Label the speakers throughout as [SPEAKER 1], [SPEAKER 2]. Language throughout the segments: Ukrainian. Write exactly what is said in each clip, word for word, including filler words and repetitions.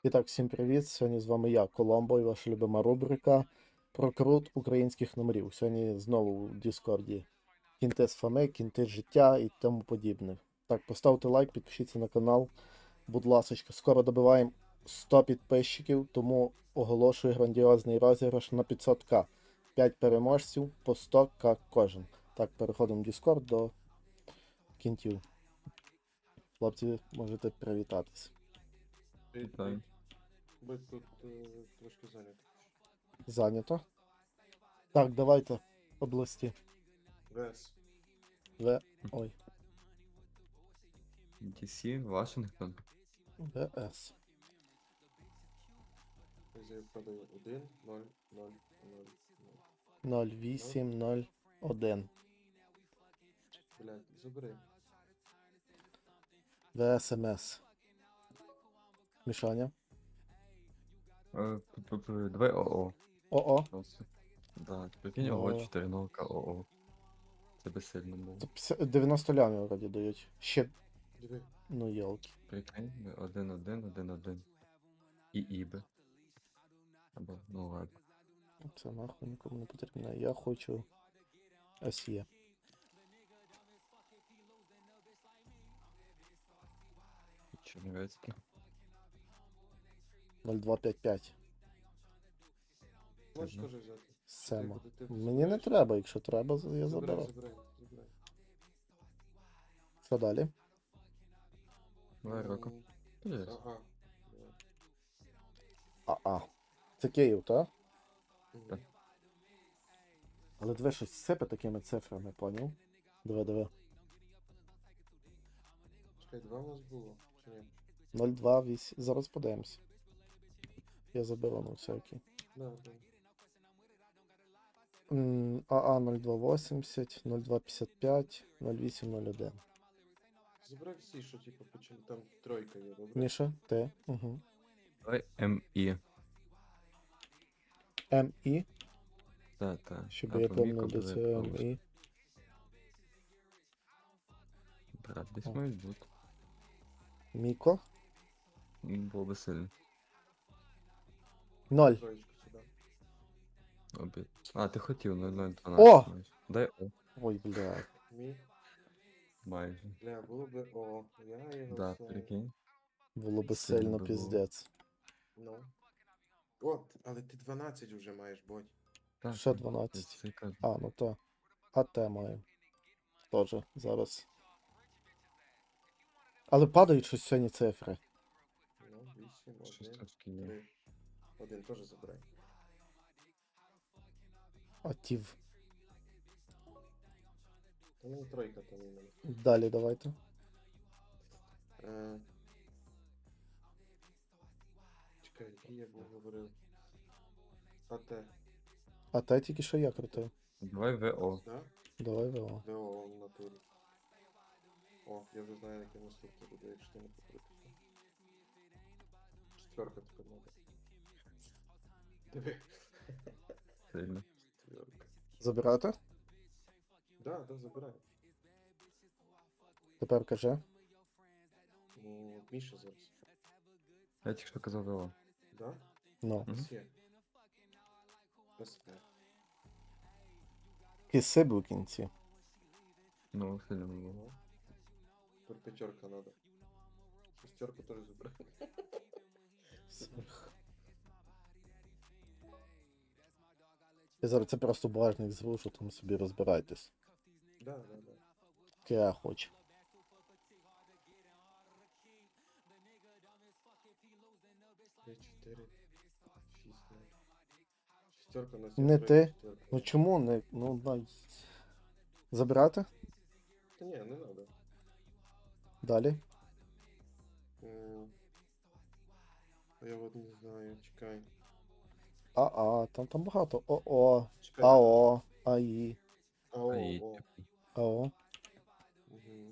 [SPEAKER 1] І так, всім привіт! Сьогодні з вами я, Коломбо, і ваша любима рубрика про крут українських номерів. Сьогодні знову в Діскорді кінти з фами, кінти з життя і тому подібне. Так, поставте лайк, підпишіться на канал, будь ласочка. Скоро добиваємо сто підписчиків, тому оголошую грандіозний розіграш на п'ятсот ка. п'ять переможців по сто ка кожен. Так, переходимо в Діскорд до кінтів. Хлопці, можете привітатись.
[SPEAKER 2] Привіт,
[SPEAKER 3] Вітаю.
[SPEAKER 2] привіт. Ви тут е, трошки зайняті.
[SPEAKER 1] Зайнято. Так, давайте області.
[SPEAKER 2] Вес.
[SPEAKER 1] В. Ой.
[SPEAKER 3] Ді Сі, Вашингтон.
[SPEAKER 1] ВС.
[SPEAKER 2] Я продаю один, ноль, ноль, ноль, ноль.
[SPEAKER 1] ноль вісім ноль один.
[SPEAKER 2] Блядь, забери.
[SPEAKER 1] ВСМС. Мішаня.
[SPEAKER 3] Е, п- п- п- Давай ОО.
[SPEAKER 1] ОО.
[SPEAKER 3] Просто. Да, прикинь,
[SPEAKER 1] Ну.
[SPEAKER 3] ОО чотиринолка ОО. Це би сильно було.
[SPEAKER 1] Це п'ятдесят дев'яносто лямів вроді дають. Ще.
[SPEAKER 2] Диви.
[SPEAKER 1] Ну йолки.
[SPEAKER 3] Прикинь, один, один, один, один. І іби. Або, ну ладно.
[SPEAKER 1] Це нахуй нікому не потрібно. Я хочу СЄ.
[SPEAKER 3] Чернівецький.
[SPEAKER 1] нуль два п'ять п'ять.
[SPEAKER 2] Можеш
[SPEAKER 3] Ладно.
[SPEAKER 2] теж взяти.
[SPEAKER 1] Сема.
[SPEAKER 2] Ти- ти- ти
[SPEAKER 1] Мені не
[SPEAKER 2] забираєш?
[SPEAKER 1] треба, якщо треба, я
[SPEAKER 2] Забирай,
[SPEAKER 1] заберу.
[SPEAKER 2] забирай, забирай.
[SPEAKER 1] Що далі?
[SPEAKER 3] Давай року.
[SPEAKER 2] М,
[SPEAKER 3] Є.
[SPEAKER 2] Ага. Давай.
[SPEAKER 1] АА. Це Київ, так?
[SPEAKER 2] Мгм.
[SPEAKER 3] Так.
[SPEAKER 1] Але диви щось сипе такими цифрами, поняв? Диви, диви.
[SPEAKER 2] Чекай, два у нас було, чи ні?
[SPEAKER 1] нуль два вісім. Зараз подивимось. Я заберу на всякий.
[SPEAKER 2] Да, да.
[SPEAKER 1] М, АА нуль два вісімдесят, нуль два п'ятдесят п'ять, нуль вісім нуль один.
[SPEAKER 2] Забирай всі, що типу почали. Там тройка є, добре?
[SPEAKER 1] Міша, ти? Угу.
[SPEAKER 3] Давай МІ.
[SPEAKER 1] МІ,
[SPEAKER 3] Та, та.
[SPEAKER 1] щоб я помнив до цього МІ.
[SPEAKER 3] Брат, десь
[SPEAKER 1] О.
[SPEAKER 3] мають бути.
[SPEAKER 1] Міко.
[SPEAKER 3] М, Було би сильно.
[SPEAKER 1] ноль.
[SPEAKER 2] Троєчку сюди.
[SPEAKER 3] Обід. А, ти хотів нуль нуль
[SPEAKER 1] О!
[SPEAKER 3] дванадцять майже. Дай О.
[SPEAKER 1] Ой, бля.
[SPEAKER 2] Мі.
[SPEAKER 3] Майже.
[SPEAKER 2] Бля, було би О. Я його
[SPEAKER 3] Да,
[SPEAKER 2] знаю.
[SPEAKER 3] прикинь.
[SPEAKER 1] Було би
[SPEAKER 3] Сильно
[SPEAKER 1] сильно
[SPEAKER 3] би було.
[SPEAKER 1] піздець.
[SPEAKER 2] Ну. От, але ти дванадцять вже маєш, бодь.
[SPEAKER 3] Так,
[SPEAKER 1] Ще
[SPEAKER 3] так,
[SPEAKER 1] дванадцять.
[SPEAKER 3] це і кажу.
[SPEAKER 1] А, ну то. АТ маю. Тоже зараз. Але падають щось сьогодні цифри.
[SPEAKER 2] Ну, вісім,
[SPEAKER 3] Щось
[SPEAKER 2] один,
[SPEAKER 3] трошки є.
[SPEAKER 2] три. Один теж забирай.
[SPEAKER 1] Атів.
[SPEAKER 2] Та мені тройка там іменно.
[SPEAKER 1] Далі давайте.
[SPEAKER 2] Е... Чекай, який я був говорив. АТ,
[SPEAKER 1] АТ тільки що я крутив.
[SPEAKER 3] Давай ВО.
[SPEAKER 2] да?
[SPEAKER 1] Давай ВО.
[SPEAKER 2] ВО в натурі. О, я вже знаю, яке наступне буде, якщо ти не покрутишся. Четверка тепер надо. Диви.
[SPEAKER 3] Сильно.
[SPEAKER 2] Четверка.
[SPEAKER 1] Забирати?
[SPEAKER 2] Да, да, забирай.
[SPEAKER 1] Тепер кажи.
[SPEAKER 2] Ну, от Міша зараз.
[SPEAKER 3] Я тільки що казав ВО.
[SPEAKER 2] Да?
[SPEAKER 1] Ну.
[SPEAKER 3] Мгм.
[SPEAKER 2] Все. СТ.
[SPEAKER 1] Киси в кінці.
[SPEAKER 3] Ну, сильно було.
[SPEAKER 2] Ну. Тепер п'ятерка надо. Шестерку теж забирай.
[SPEAKER 1] Сих. Я зараз це просто багажник зрушу, там собі розбирайтесь.
[SPEAKER 2] Да, да, да.
[SPEAKER 1] Яке я хочу.
[SPEAKER 2] п'ять, чотири, шість, ноль. Шестерка на
[SPEAKER 1] Не ти.
[SPEAKER 2] Четверка.
[SPEAKER 1] Ну чому не. Ну, дай. Забирати?
[SPEAKER 2] Та ні, не надо.
[SPEAKER 1] Далі.
[SPEAKER 2] М, а я от не знаю, чекай.
[SPEAKER 1] АА, там там багато. ОО,
[SPEAKER 2] Чекай.
[SPEAKER 1] АО, АІ,
[SPEAKER 2] АО,
[SPEAKER 3] Аї,
[SPEAKER 2] о.
[SPEAKER 3] типу.
[SPEAKER 1] АО.
[SPEAKER 2] Угу.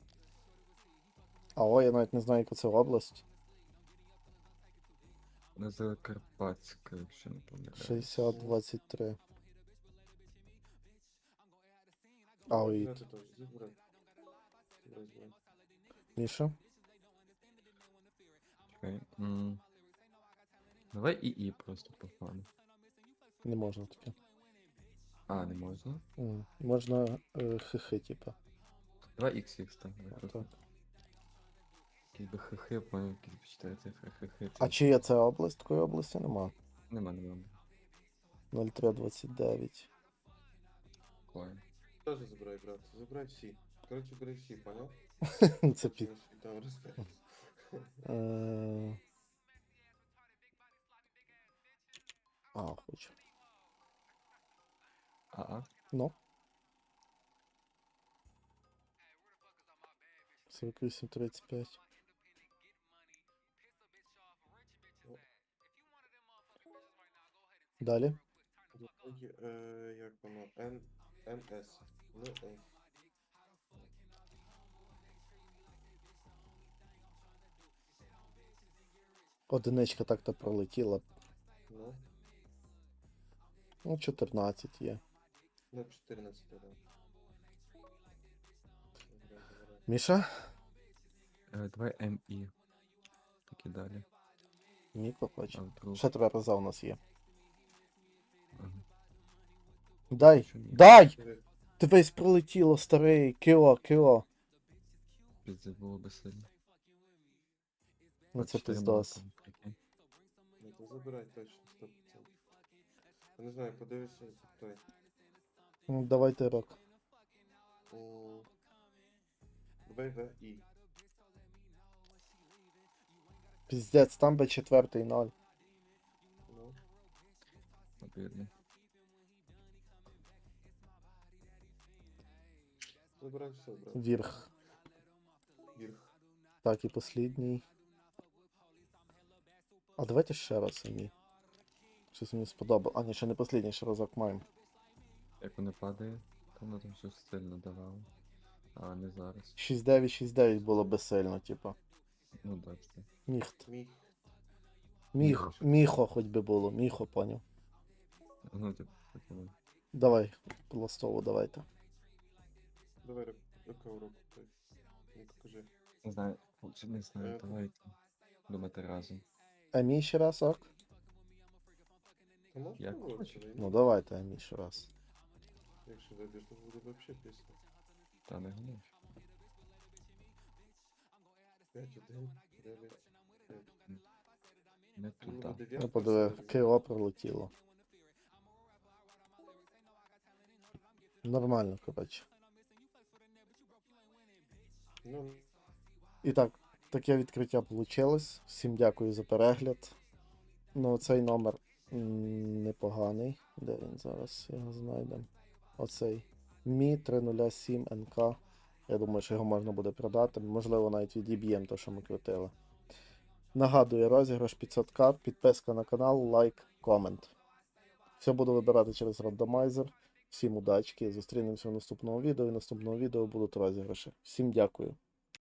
[SPEAKER 1] АО, я навіть не знаю, яка це область.
[SPEAKER 3] Не Закарпатська, якщо не помиляюсь.
[SPEAKER 1] шістдесят двадцять три. АОІ.
[SPEAKER 2] Забирай, теж, забирай. Забирай, забирай.
[SPEAKER 1] Міша?
[SPEAKER 3] Чекай. М, Давай ІІ просто по фану.
[SPEAKER 1] Не можна таке.
[SPEAKER 3] А, не можна?
[SPEAKER 1] М, Можна е, хихи, типа.
[SPEAKER 3] Давай ікс ікс там. давай
[SPEAKER 1] Отак.
[SPEAKER 3] просто. Якісь би хихи, поняв, якісь би чотири цифри хихи.
[SPEAKER 1] А
[SPEAKER 3] Це...
[SPEAKER 1] чи є це область? Такої області нема.
[SPEAKER 3] Нема, нема.
[SPEAKER 1] нуль три двадцять дев'ять.
[SPEAKER 3] Коін.
[SPEAKER 2] Тоже забирай, брат. Забирай всі. Коротше, бери всі, поняв?
[SPEAKER 1] Це під.
[SPEAKER 2] Ми собі там розберемось.
[SPEAKER 1] Е, А, хочу.
[SPEAKER 3] А-а.
[SPEAKER 1] Ну. сорок вісім тридцять п'ять. Далі.
[SPEAKER 2] Друге, е, як воно? Н... НС. Ну, Е.
[SPEAKER 1] Одиничка так-то пролетіла.
[SPEAKER 2] Ну,
[SPEAKER 1] Ну, чотирнадцять є.
[SPEAKER 2] ну, чотирнадцять, да. Забирай, забирай.
[SPEAKER 1] Міша?
[SPEAKER 3] Е, Давай ем-і. Так і далі.
[SPEAKER 1] Міко хоче.
[SPEAKER 3] А вдруг.
[SPEAKER 1] Ще три рази у нас є.
[SPEAKER 3] Ага.
[SPEAKER 1] Дай!
[SPEAKER 3] Що ні?
[SPEAKER 1] Дай!
[SPEAKER 2] Диви,
[SPEAKER 1] Ти весь пролетіло, старий. Кіло, кіло.
[SPEAKER 3] Піздець було би сильно.
[SPEAKER 1] Ну
[SPEAKER 3] От
[SPEAKER 1] це
[SPEAKER 3] чотири
[SPEAKER 1] піздос.
[SPEAKER 3] мало, прикинь.
[SPEAKER 2] ну, то забирай точно, сто процентів. Я не знаю, подивися той.
[SPEAKER 1] Ну, давайте рок.
[SPEAKER 2] М, В В І.
[SPEAKER 1] Піздець, там би четвертий ноль.
[SPEAKER 2] Ну,
[SPEAKER 3] Обідно.
[SPEAKER 2] забирай все, брат.
[SPEAKER 1] Вірх.
[SPEAKER 2] Вірх.
[SPEAKER 1] Так, і послідній. А давайте ще раз самі. Щось мені сподобало. А, ні, ще не послідній, ще разок маємо.
[SPEAKER 3] Як воно падає, то воно там щось сильно давало. А не зараз.
[SPEAKER 1] шість дев'ять шість дев'ять було безсильно, типа.
[SPEAKER 3] Ну да, це.
[SPEAKER 1] Міхт.
[SPEAKER 2] Міг.
[SPEAKER 1] Міх,
[SPEAKER 3] Міхо.
[SPEAKER 1] міхо хоч би було, міхо, поняв.
[SPEAKER 3] Ну, типу, таке воно.
[SPEAKER 1] Давай, пластову давайте.
[SPEAKER 2] Давай ру- рука в руку. той. Ну, покажи.
[SPEAKER 3] Не знаю, хлопці, не знаю,
[SPEAKER 2] Е,
[SPEAKER 3] давайте думати разом.
[SPEAKER 1] Емі ще раз, ок?
[SPEAKER 2] Та можна
[SPEAKER 3] Як
[SPEAKER 2] було
[SPEAKER 3] хочеш.
[SPEAKER 2] це,
[SPEAKER 1] Ну давайте Емі ще раз.
[SPEAKER 2] Якщо вибіж, то буде вообще пісня.
[SPEAKER 3] Та не гнів.
[SPEAKER 2] п'ять один, дев'ять, п'ять.
[SPEAKER 3] Не
[SPEAKER 2] Ну,
[SPEAKER 3] туди.
[SPEAKER 2] дев'ятка,
[SPEAKER 1] Я подиви,
[SPEAKER 2] все,
[SPEAKER 1] кило пролетіло. Нормально, коротше.
[SPEAKER 2] Ну,
[SPEAKER 1] І так, таке відкриття вийшло. Всім дякую за перегляд. Ну, цей номер м, непоганий. Де він зараз? Його знайдемо. Оцей. Мі три нуль сім ен ка. Я думаю, що його можна буде продати. Можливо, навіть відіб'ємо те, що ми крутили. Нагадую, розіграш п'ятсот к, підписка на канал, лайк, комент. Все буду вибирати через рандомайзер. Всім удачки. Зустрінемося в наступному відео. І в наступному відео будуть розіграші. Всім дякую.